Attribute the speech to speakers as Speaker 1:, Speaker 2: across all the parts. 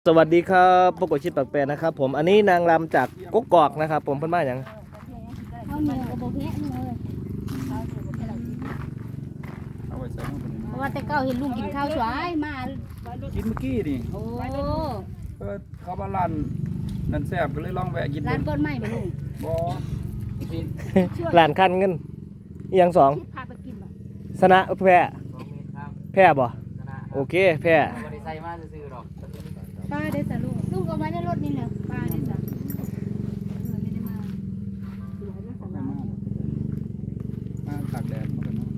Speaker 1: สวัสดีครับปกติชิดปากแปรนะครับผมอันนี้นางรำจากกกอกนะครับผมเพิ่นมาอย่าง
Speaker 2: ข้าวเหนียวกับโบแพะนี่เลยเพราะว่าแต่เก้าเห็นลุงกินข้าวสวยมา
Speaker 3: กินเมื่อกี้นี่
Speaker 2: โอ้
Speaker 3: เขาว่าร้านนั่นแซ่บก็เลยลองแวะกิน
Speaker 2: ร้านเปิ้ลไหมบ่ลุง
Speaker 3: บ่กิน
Speaker 1: หลานคันเงินอีหยังสอง
Speaker 2: คิดพาไปกินบ่
Speaker 1: สนะแพร่แพร่บ่โอเคแพร่
Speaker 2: ป้าได้สะลุงเอาไว้ในรถนี่แหละป้าได้สะไม่ได้มา
Speaker 3: มาตากแดดมากันเนาะ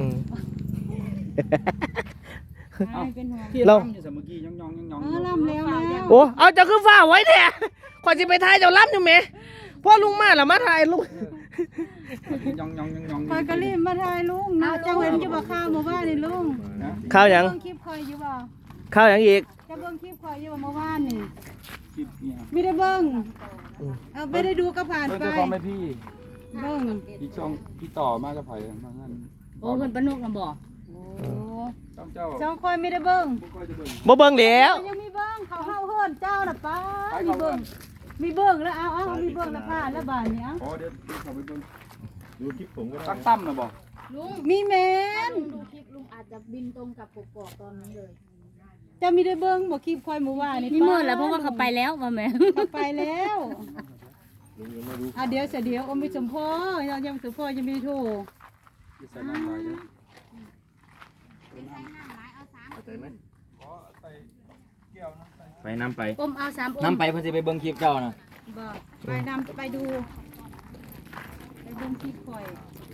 Speaker 2: เป็นหัว
Speaker 3: ที่ล่ำอยู่สมเมื่อกี้ย่อง
Speaker 2: ล่ำแล้ว
Speaker 1: โอ้เอาเจ้าคือฝ้าไว้แท้ข่อยสิไปถ่ายเจ้าล้ำอยู่แหมพ่อลุงมาแล้วมาถ่ายลุง
Speaker 3: ย่อง
Speaker 4: คอยกะรีบมาถ่ายลุงนะจะเห็นอยู่บ่ข้าวหมู่บ้านนี่ลุง
Speaker 1: ข้าวหยัง
Speaker 4: เบิ่งคลิปคอยอยู่บ่
Speaker 1: ข้าวหยังอีก
Speaker 4: จะเบิ่งคลิปคอยอยู่บ่เมื่อวานนี่
Speaker 3: คลิปเนี่ย
Speaker 4: ไม่ได้เบิ่งไม่ได้ดูก็ผ่าน
Speaker 3: เพิ่น
Speaker 4: ไป
Speaker 3: เจ้าของแม่พี่
Speaker 4: เบิ่ง
Speaker 3: อีกช่องพี่ต่อมากับไผมางั้น
Speaker 2: โอ้เพิ่นปนุกน่ะบ่โอ้
Speaker 3: ต้องเจ้า
Speaker 4: เจ้าคอยไม่ได้เบิ่ง
Speaker 3: บ่ค่อยจะเบิ่ง
Speaker 1: บ่เบิ่งแล้ว
Speaker 4: ยังมีเบิ่งเขาเฮาเฮิรนเจ้าน่ะป้ามีเบิ่งมีเบิ่งแล้วเอามีเบิ่งแล้วผ่านแล้วบาดนี้
Speaker 3: อ๋อเดี๋ยวเข้าไปเบิ่งดูคลิปผมก็ได้ตั้มน่ะบ่
Speaker 2: ลุง
Speaker 4: มีแม่น
Speaker 2: ดูคลิปลุงอาจจะบินตรงกับกกอกตอนนั้นเลย
Speaker 4: จะมีได้เบิ่งบ่คลิปคอยเมื่อวานนี่
Speaker 2: นี่เมื่อแล้วเพราะว่าเขาไปแล้วว่าแม่
Speaker 4: เขาไปแล้วเดี๋ยวเดี๋ยวอมไปสมพ่อยังสมพ่อยังไม่โทร
Speaker 3: ใส่น้ำลายเด้อไปน้ำไป
Speaker 2: อมเอา3อม
Speaker 3: น้ำไปเพิ่นสิไปเบิ่งคลิปเจ้านะ
Speaker 4: บอกไปนำไปดูไปเบิ่งคลิปคอย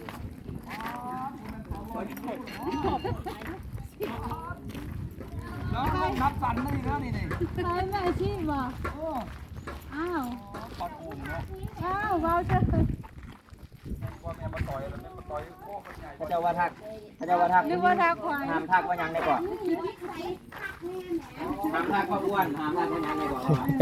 Speaker 3: นับสันนี่แล้วนี่
Speaker 4: ไปแม่ชีพบอกอ้าว
Speaker 3: ปอดปูมเนาะ
Speaker 4: อ้าวเบาเถอะ
Speaker 3: ว่าแม่มาต่อยแล้วแม่มาต่อยโค้งมันใหญ่
Speaker 5: พระเจ้าว่าทักพระเจ้าว่าทัก
Speaker 4: นึกว่าทักควาย
Speaker 5: ห้ามทักว่ายังได้ก่อนห้ามทักว่าอ้วนห้ามทักว่ายังได้ก่อน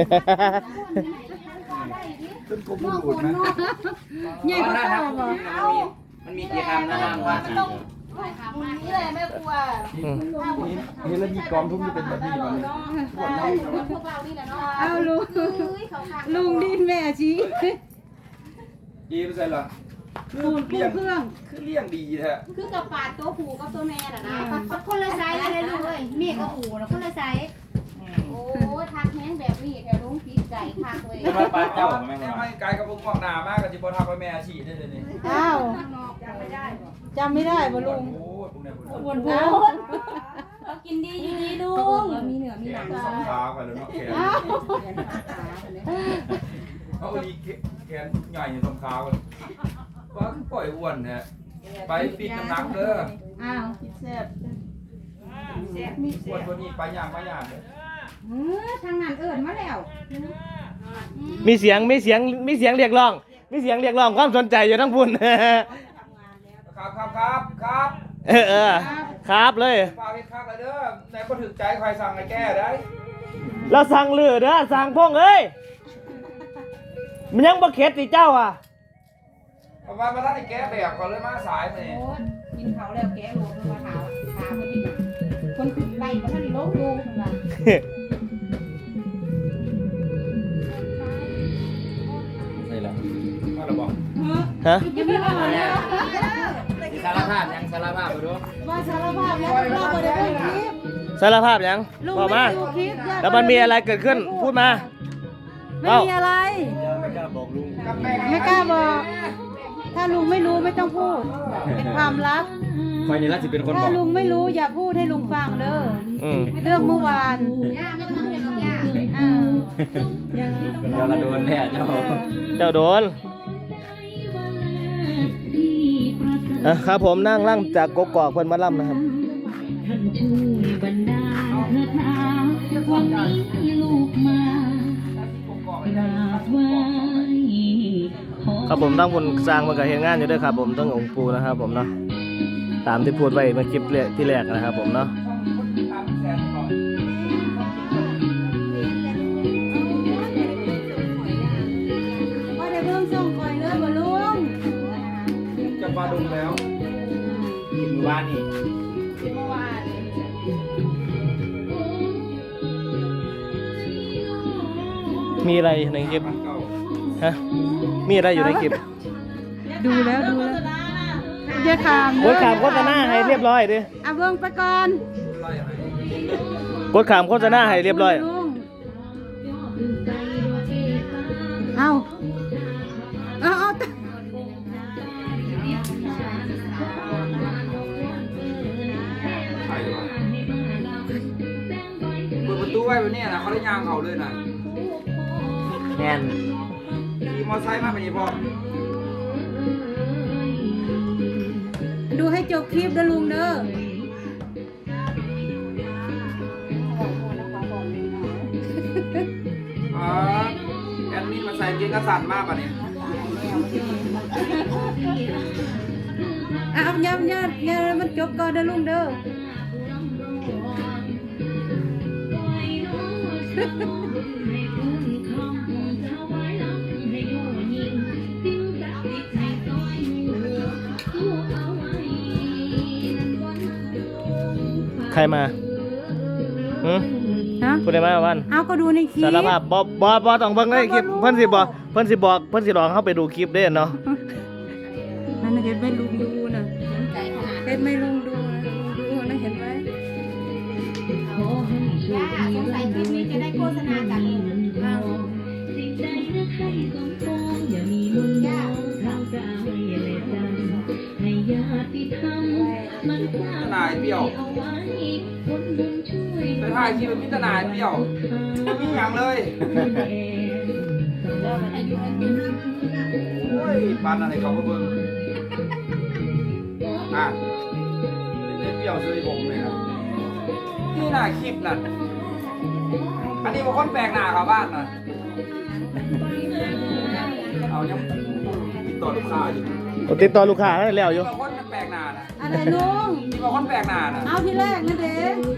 Speaker 3: ขึ้นกลมหลุดนะ
Speaker 4: ใหญ่กว่าเก่าบอก
Speaker 5: มันมีกี่คำนะห้ามว่า
Speaker 2: นี่แหละแม่ครัว
Speaker 3: นี่แล้วมีกองทุกที่เป็นแบบนี้มาเลย
Speaker 2: พวกเรานี่แหละเนาะ
Speaker 4: เอาลุงดินแม่ชี
Speaker 3: อีไม่ใช่หรอ
Speaker 4: ปูนเครื่อง
Speaker 3: คือเลี้ยงดีแท้
Speaker 2: คือกับปาดตัวผูกับตัวแม่น่ะนะคนละไซส์เลยลูกเอ้ยเมียกับผูนะคนละไซส์โอ้ทักแห้งแบบนี้แต่ลุงผิดใจทักเลย
Speaker 5: จะมาปาเจ้าไหม
Speaker 3: แม่ไม่ไกลกับพวกงอกหนามากกับจิบทักไปแม่อาชีพได้เลยนี่
Speaker 4: อ้าวจำไม่ได้บ่ลุง
Speaker 3: โอ้พวกนี้
Speaker 4: อ้วนโพด
Speaker 2: เรากินดีอยู่ดีลุงมีเหนือมีหนัง
Speaker 3: สองขาไปแล้วเนาะแขนเขาดีแขนใหญ่สองขาเลยว่าปล่อยอ้วนเนี่ยไปปิดน้ำหนักเด้อ
Speaker 4: อ้าว
Speaker 3: มีอ้วนคนนี้ไปอย่างมาอย่างเลย
Speaker 4: ทางนั้นเอิ้นมาแล้ว
Speaker 1: มีเสียงเรียกร้องความสนใจอยู่ทั้งพุ่น
Speaker 3: ครับ
Speaker 1: ครับเลย
Speaker 3: ฝากให้คักเลยเด้อไหนก็ถึงใจใครสั่งให้แก้ได้
Speaker 1: แล้วสั่งลือเด้อสั่งพงเอ้ยมันยังบ่เข็ดสิเจ้าอ่ะ
Speaker 3: เพราะว่ามาท่านไอ้แก้แบบก่อนเลยมาสายนี่
Speaker 2: กินเขาแล้วแกะโลกมาถามคนที่คนขึ้นไล่มาท่านโลกดูมา
Speaker 5: ใช่แล้ว
Speaker 3: มาแล้วบอก
Speaker 1: ฮะ
Speaker 4: ยังไม่มาแล้ว
Speaker 5: สารภาพยังสารภาพไปดู
Speaker 4: ว่าสารภาพแล้วเราบ่ได้ดูคลิป
Speaker 1: สารภาพยัง
Speaker 4: ลุง
Speaker 1: บอก
Speaker 4: ไม่
Speaker 1: มา
Speaker 4: ดูคลิปญาติ
Speaker 1: แล้วมันมีอะไรเกิดขึ้นพูดมา
Speaker 4: ไม่มีอะไร
Speaker 3: กับแม่
Speaker 4: ไม่กล้าบอก ถ้าลุงไม่รู้ไม่ต้องพูด เป็นความลับ
Speaker 5: คอยนี่ละสิเป็นคนบ
Speaker 4: ถ้า
Speaker 5: อก
Speaker 4: ลุงไม่รู้อย่าพูดให้ลุงฟังเด้อ
Speaker 1: อืม
Speaker 4: เรื่องเมื่อวาน
Speaker 2: ย่าไม่ต้องเห็นหรอกย่า
Speaker 4: อ่า
Speaker 5: เดี๋ยวเราโดนแน่เจ้า
Speaker 1: เจ้าโดนครับผมนั่งล่างจากกกอกเพิ่นมาล่ำนะครับครับผมตั้งคนสร้างมันกับเห็นงานอยู่ด้วยครับผมต้ององค์ปูนะครับผมเนาะตามที่พูดไว้เมื่อคลิปที่แรกนะครับผมเนาะ
Speaker 4: ว่าได้เบิ่งส่งคอยเลยบ่ลุง
Speaker 3: จะปลาดุงแล้ว
Speaker 5: กินว่านี่
Speaker 2: เมื่อวาน
Speaker 1: มีอะไรในคลิปฮะมีอะไรอยู่ในคลิป
Speaker 4: ดูแล้วอย่าขาม
Speaker 1: กดขามโฆษณาให้เรียบร้อยดิ
Speaker 4: เอาเบิ่งไปก่อน
Speaker 1: กดขามโฆษณาให้เรียบร้อย
Speaker 4: ลุงเอาเอา
Speaker 3: ใช่ปะเปิดประตูไว้แบบนี้นะเขาได้ยางเขาเลยนะ
Speaker 5: แน่น
Speaker 3: ขี่มอไซค์มาแบบนี้พอ
Speaker 4: ดูให้จบคลิปเด้อลุงเด้อ
Speaker 3: แอดมินมาใส่เกงกระสันมากป่ะเนี่ย
Speaker 4: เอาอย่ามันจบก่อนเด้อลุงเด้อ
Speaker 1: ใครมาหืม
Speaker 4: ฮะ
Speaker 1: พูดได้ไหมวัน
Speaker 4: เอาก็ดูในคลิป
Speaker 1: สารภาพบอต้องเบิ่งในคลิปเพิ่นสิบอกเพิ่นสิลองเข้าไปดูคลิปเด้เนาะ
Speaker 4: นั่นน่ะเห็นไหมลุงดูนะ
Speaker 2: ใจขนาด
Speaker 4: เห็นไหมลุงดูนะลุงดูนะเห็นไหม
Speaker 2: ย่าสงสัยคลิปนี้จะได้โฆษณาจากลุงเอาย่า
Speaker 3: ทนายเปรี้ยวไปถ่ายคลิปเป็นพิจารณาเปรี้ยวไม่มีอย่างเลยโอ้ยปานอะไรเขาก็เบิ่งอ่ะเล่นเปรี้ยวซื้อผมเลยครับนี่น่ะคลิปน่ะอันนี้บางคนแปลกหน้าเขาบ้านน่ะเอายังติดต่อลูกค้าอยู่
Speaker 1: ติดต่อลูกค้าได้แล้วอยู่
Speaker 3: บางคนมันแปลกหน้าน่ะ
Speaker 4: อะไรลุง
Speaker 3: มีบางคนแปลกหน้าน่ะ
Speaker 4: เอาที่แรกนั่นเด้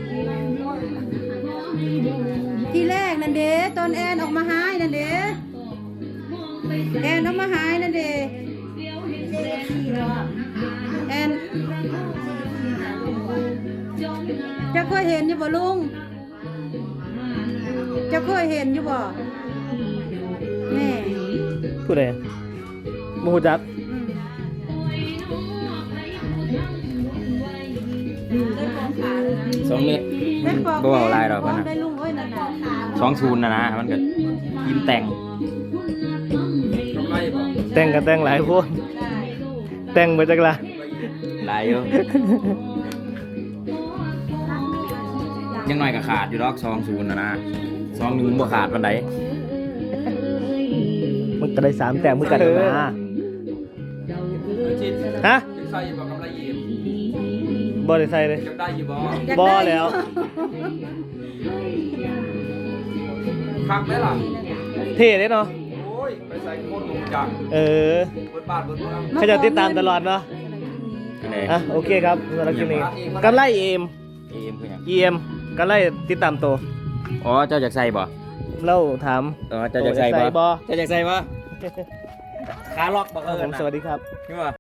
Speaker 4: ที่แรกนั่นเด้ตอนแอนออกมาหายนั่นเด้แอนออกมาหายนั่นเด้แอนจะเคยเห็นอยู่บ่ลุงจะเคยเห็นอยู่บ่แม่
Speaker 1: พูดได้บ่ฮู้จัก
Speaker 5: 2 เม็ดมันบ่เอาลายดอกมันนะ
Speaker 4: ได้ลุงเอ้ยนั่นน่ะ
Speaker 5: 2 ทูนนะมันก็ยิ้มแต่ง
Speaker 3: กำไรบ่
Speaker 1: แต่งกันแต่งหลายคนแต่งมาจากละ
Speaker 5: ลายอยู่ยังน้อยก็ขาดอยู่ดอก2 ทูนนะ2 1บ่ขาดปานใด
Speaker 1: มันก็ได้3แต้มมือกันนะ
Speaker 3: ชิด
Speaker 1: ฮะ
Speaker 3: ยังใส่อยู่บ่กำไรเย็น
Speaker 1: บ่ได้ใส่เลย
Speaker 3: ยังได้อยู่บ่
Speaker 1: บ่แล้ว
Speaker 3: คักได้ล่ะ
Speaker 1: เท่เด้เนาะ
Speaker 3: โอ้ยไปใส่โคตรหนุ่มจัง
Speaker 1: เออ
Speaker 3: เบิดบ้านเบิดเมือง
Speaker 1: เขาจะติดตามตลอดเนาะ
Speaker 5: อันใด
Speaker 1: อ่ะโอเคครับสำหรับคลิปนี้กำไรเอ็ม
Speaker 5: เอ็มคือหยัง
Speaker 1: EM กำไรติดตามตัว
Speaker 5: อ๋อเจ้าอยากใส่บ่
Speaker 1: เล่าถาม
Speaker 5: อ๋อเจ้าอยากใส่บ่
Speaker 1: บ่
Speaker 5: เจ้าอยากใส่บ่ขาล็อกบ่
Speaker 1: ครับผมสวัสดีครับ
Speaker 5: นี่บ่